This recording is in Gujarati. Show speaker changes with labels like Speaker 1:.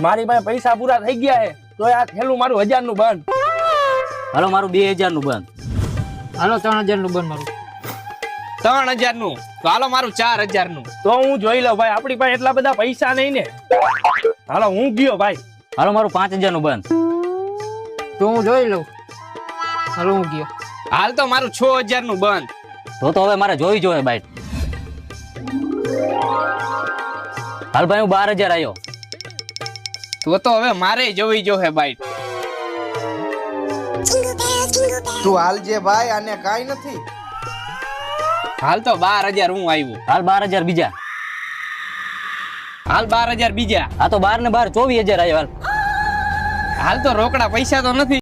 Speaker 1: મારી પાસે પૈસા પૂરા થઈ ગયા છે તો આ થેલું મારું 1000 નું બંધ.
Speaker 2: હાલો મારું 2000 નું બંધ.
Speaker 3: હાલો 3000 નું બંધ મારું.
Speaker 4: 3000 નું તો હાલો મારું 4000 નું.
Speaker 1: તો હું જોઈ લઉં ભાઈ, આપણી પાસે એટલા બધા પૈસા નહીં ને. હાલો હું ગયો ભાઈ.
Speaker 2: હાલો મારું 5000 નું બંધ.
Speaker 3: તો હું જોઈ લઉં. હાલો હું ગયો.
Speaker 4: હાલ તો મારું 6000 નું બંધ.
Speaker 2: તો હવે મારે જોઈ જોઈએ બાઈટ. હાલ ભાઈ હું 12000 આવ્યો.
Speaker 4: તો હવે મારે જોવી જોહે બાઈટ.
Speaker 5: તું હાલજે ભાઈ, આને કાઈ નથી.
Speaker 4: હાલ તો 12000 હું આવ્યું.
Speaker 2: હાલ 12000 બીજા.
Speaker 4: હાલ 12000 બીજા.
Speaker 2: આ તો 12 ને 12 24000 આવ્યો. હાલ
Speaker 4: હાલ તો રોકડા પૈસા તો નથી.